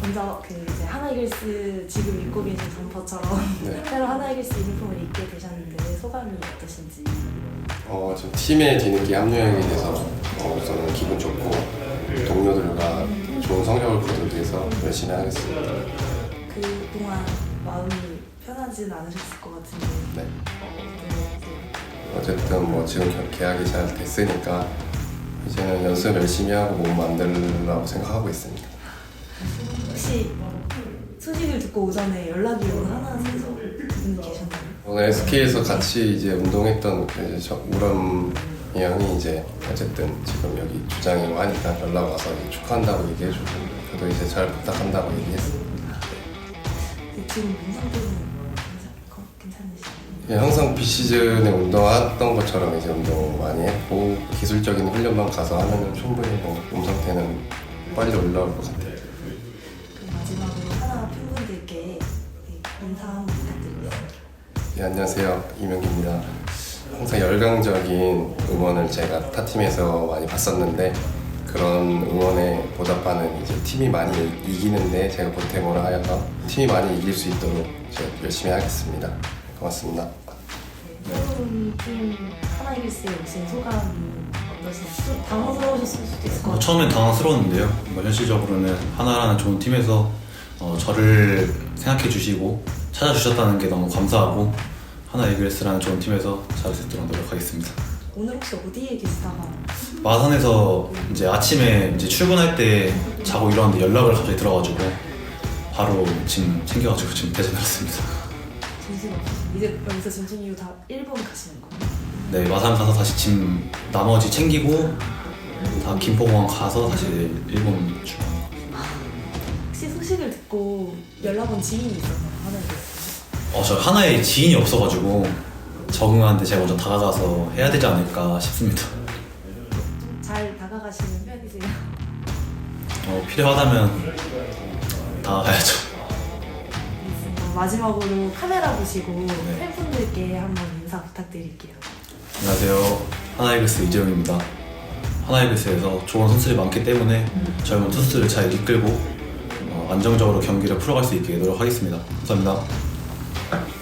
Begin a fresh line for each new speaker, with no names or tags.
먼저 그 이제 하나이글스 지금 입고 계신 점퍼처럼
네.
새로 하나이글스 유니폼을 입게 되셨는데 소감이 어떠신지?
좀 팀에 뒤늦게 합류하게 돼서 우선은 기분 좋고 동료들과 좋은 성적을 거두기 위해서 열심히 하겠습니다.
그동안 마음이 편하진 않으셨을 것 같은데
네.
네.
어쨌든 뭐 지금 계약이 잘 됐으니까 이제는 연습 열심히 하고 몸 만들라고 생각하고 있습니다.
혹시 소식을 듣고 오전에 연락이 온 하나 선수 분이 계셨나요?
오늘 SK에서 같이 이제 운동했던 이제 우람 형이 이제 어쨌든 지금 여기 주장이고 하니까 연락 와서 축하한다고 얘기해주고 저도 이제 잘 부탁한다고 얘기했습니다.
지금 몸 상태는 괜찮으시나요?
예, 항상 비시즌에 운동했던 것처럼 이제 운동 많이 했고 기술적인 훈련만 가서 하면은 충분히 몸 상태는 빨리 올라올 것 같아요.
그럼 마지막으로 하나 팬분들께 인사 한번 부탁드리겠습니다.
네, 안녕하세요. 이명기입니다. 항상 열광적인 응원을 제가 타팀에서 많이 봤었는데 그런 응원에 보답하는 이제 팀이 많이 이기는데 제가 보탬으로 하여서 팀이 많이 이길 수 있도록 제가 열심히 하겠습니다. 고맙습니다.
새로운 팀 하나이글스에 오신 소감이 어떠신지? 좀 당황스러우셨을 수도 있을 것 같아요.
처음엔 당황스러웠는데요. 현실적으로는 하나라는 좋은 팀에서 저를 생각해 주시고 찾아주셨다는 게 너무 감사하고 하나이글스라는 좋은 팀에서 잘할 수 있도록 노력하겠습니다.
오늘 혹시 어디에 계시다가
마산에서 이제 아침에 이제 출근할 때 자고 일어났는데 연락을 갑자기 들어가지고 바로 짐 챙겨가지고 지금 대전에 왔습니다.
정신 없으시죠? 이제 여기서 전쟁 이후 다 일본 가시는 거예요?
네, 마산 가서 다시 짐 나머지 챙기고 다 김포공항 가서 다시 일본 출발합니다.
혹시 소식을 듣고 연락 온 지인이 있었나요? 하나이글스?
저 하나에 지인이 없어가지고 적응하는데 제가 먼저 다가가서 해야 되지 않을까 싶습니다.
잘 다가가시는 편이세요?
필요하다면 다가가야죠.
마지막으로 카메라 보시고
네.
팬분들께 한번 인사 부탁드릴게요.
안녕하세요. 하나이글스 이재용입니다. 하나이글스에서 좋은 선수들이 많기 때문에 젊은 투수들을 잘 이끌고 안정적으로 경기를 풀어갈 수 있게 노력하겠습니다. 감사합니다.